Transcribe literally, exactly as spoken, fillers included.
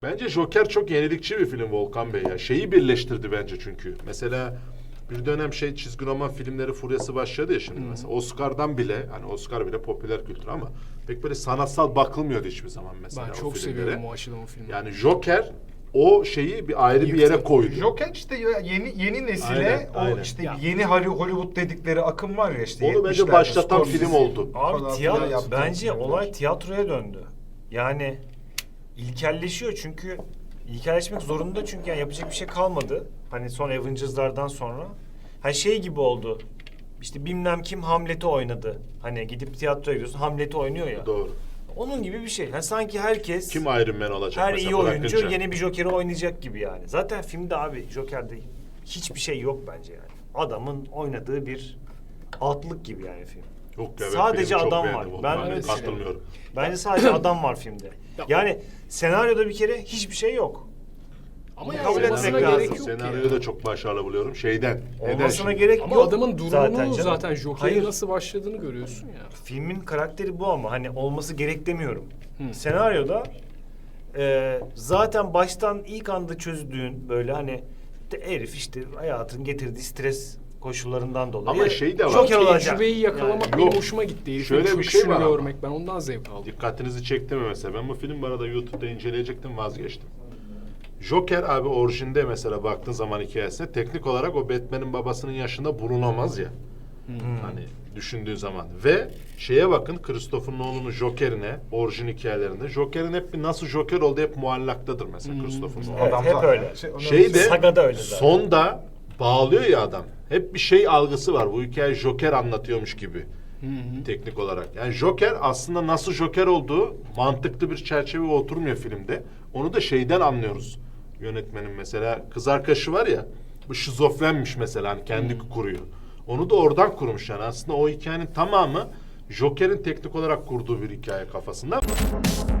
Bence Joker çok yenilikçi bir film Volkan Bey ya. Şeyi birleştirdi bence çünkü. Mesela bir dönem şey çizgi roman filmleri furyası başladı ya şimdi hmm. mesela. Oscar'dan bile, hani Oscar bile popüler kültür ama pek böyle sanatsal bakılmıyordu hiçbir zaman mesela. Ben çok seviyorum o açıdan o filmi. Yani Joker o şeyi bir ayrı bir yere koydu. Joker işte yeni yeni nesile aynen, o aynen. işte ya. Yeni Hollywood dedikleri akım var ya işte. Onu bence başlatan film oldu. Abi tiyatro, bence olay tiyatroya döndü. Yani ilkelleşiyor çünkü ilkelleşmek zorunda çünkü yani yapacak bir şey kalmadı. Hani son Avengers'lardan sonra. Her şey gibi oldu. İşte bilmem kim Hamlet'i oynadı. Hani gidip tiyatroya gidiyorsun Hamlet'i oynuyor ya. Doğru. Onun gibi bir şey. Yani sanki herkes Kim Iron Man olacak her mesela iyi oyuncu bırakınca. yeni bir Joker'i oynayacak gibi yani. Zaten filmde abi Joker'de hiçbir şey yok bence yani. Adamın oynadığı bir altlık gibi yani film. Yok ya, Sadece benim çok adam beğendim var. onu. Ben Hani öyle katılmıyorum. Bence sadece adam var filmde. Yani senaryoda bir kere hiçbir şey yok. Ama Kabul yani etmek olmasına lazım. gerek yok Senaryoyu ya. da çok başarılı buluyorum. Şeyden. neden Olmasına şimdi? gerek Ama yok. adamın durumunu zaten, zaten, canım. Joker'in Hayır. nasıl başladığını görüyorsun ya. Filmin karakteri bu ama hani olması gerek demiyorum. Hmm. Senaryoda e, zaten baştan ilk anda çözdüğün böyle hani de herif işte hayatın getirdiği stres koşullarından dolayı. Ama şey de var. Joker olacak. Tecrübeyi yakalamak Yani. benim Yok. hoşuma gitti. Herifin Şöyle bir çöküşünü şey var ama. görmek, ben ondan zevk aldım. Dikkatinizi çekti mi mesela? Ben bu film bu arada YouTube'da inceleyecektim, vazgeçtim. Joker abi orijinde mesela baktığın zaman hikayesine teknik olarak o Batman'in babasının yaşında bulunamaz ya. Hmm. Hani düşündüğün zaman. Ve şeye bakın Christopher Nolan'ın Joker'ine, orijin hikayelerinde. Joker'in hep bir nasıl Joker oldu hep muallaktadır mesela hmm. Christopher Nolan. Evet, hep öyle. Şey, Şeyde Saga'da öyle zaten. sonda bağlıyor ya adam. Hep bir şey algısı var. Bu hikaye Joker anlatıyormuş gibi. Hı hı. Teknik olarak. Yani Joker aslında nasıl Joker olduğu mantıklı bir çerçeveye oturmuyor filmde. Onu da şeyden anlıyoruz. Yönetmenin mesela kız arkadaşı var ya, bu şizofrenmiş mesela, hani kendi hmm. kuruyor. Onu da oradan kurmuş yani. Aslında o hikayenin tamamı Joker'in teknik olarak kurduğu bir hikaye kafasında.